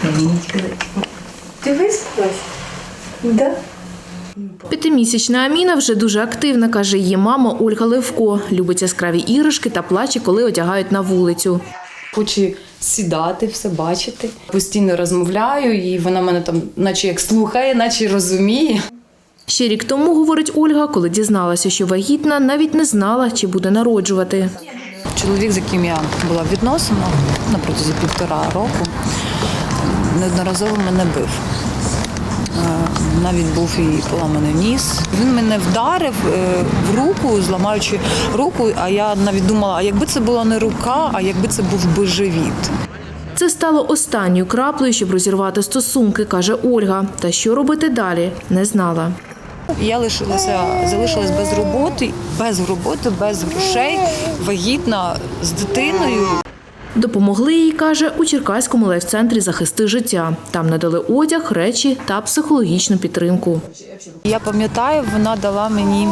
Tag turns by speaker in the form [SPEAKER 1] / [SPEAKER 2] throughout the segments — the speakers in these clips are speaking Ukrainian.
[SPEAKER 1] Ти виспалась? Да?
[SPEAKER 2] П'ятимісячна Аміна вже дуже активна, каже її мама Ольга Левко. Любить яскраві іграшки та плаче, коли одягають на вулицю.
[SPEAKER 3] Хоче сідати, все бачити. Постійно розмовляю, і вона мене там наче як слухає, наче розуміє.
[SPEAKER 2] Ще рік тому, говорить Ольга, коли дізналася, що вагітна, навіть не знала, чи буде народжувати.
[SPEAKER 3] Чоловік, з яким я була в відносинах на протязі 1,5 року, неодноразово мене бив. Навіть був і поламаний ніс. Він мене вдарив в руку, зламаючи руку, а я навіть думала, а якби це була не рука, а якби це був би живіт.
[SPEAKER 2] Це стало останньою краплею, щоб розірвати стосунки, каже Ольга. Та що робити далі, не знала.
[SPEAKER 3] Я залишилась без роботи, без грошей, вагітна з дитиною.
[SPEAKER 2] Допомогли їй, каже, у Черкаському лайф-центрі «Захисти життя». Там надали одяг, речі та психологічну підтримку.
[SPEAKER 3] Я пам'ятаю, вона дала мені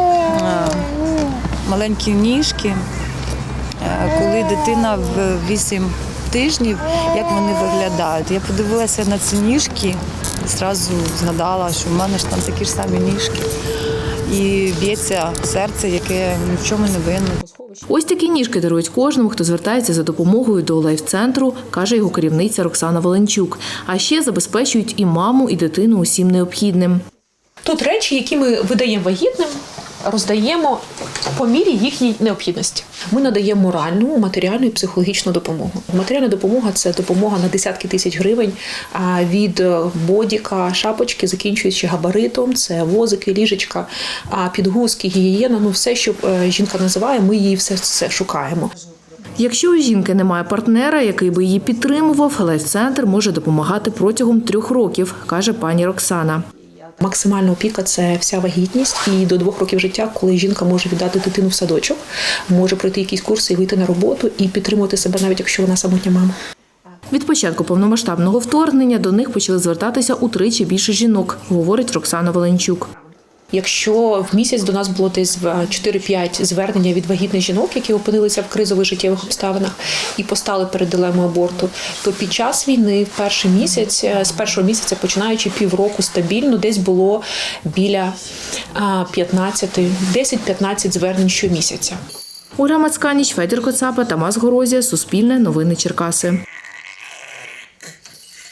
[SPEAKER 3] маленькі ніжки, коли дитина в 8 тижнів, як вони виглядають. Я подивилася на ці ніжки і одразу згадала, що в мене ж там такі ж самі ніжки. І б'ється серце, яке ні в чому не винне.
[SPEAKER 2] Ось такі ніжки дарують кожному, хто звертається за допомогою до лайф-центру, каже його керівниця Роксана Валенчук. А ще забезпечують і маму, і дитину усім необхідним.
[SPEAKER 4] Тут речі, які ми видаємо вагітним, роздаємо по мірі їхньої необхідності. Ми надаємо моральну, матеріальну і психологічну допомогу. Матеріальна допомога – це допомога на десятки тисяч гривень від бодіка, шапочки, закінчуючи габаритом, це возики, ліжечка, підгузки, гігієна, все, що жінка називає, ми її все шукаємо.
[SPEAKER 2] Якщо у жінки немає партнера, який би її підтримував, лайф-центр може допомагати протягом 3 років, каже пані Роксана.
[SPEAKER 4] Максимальна опіка – це вся вагітність і до 2 років життя, коли жінка може віддати дитину в садочок, може пройти якісь курси і вийти на роботу і підтримувати себе, навіть якщо вона самотня мама.
[SPEAKER 2] Від початку повномасштабного вторгнення до них почали звертатися утричі більше жінок, говорить Роксана Валенчук.
[SPEAKER 4] Якщо в місяць до нас було десь 4-5 звернення від вагітних жінок, які опинилися в кризових життєвих обставинах і постали перед дилемою аборту, то під час війни в перший місяць, з першого місяця, починаючи півроку стабільно, десь було біля 10-15 звернень щомісяця.
[SPEAKER 2] Ольга Мацканіч, Федір Коцапа, Тамас Горозія, Суспільне, Новини Черкаси.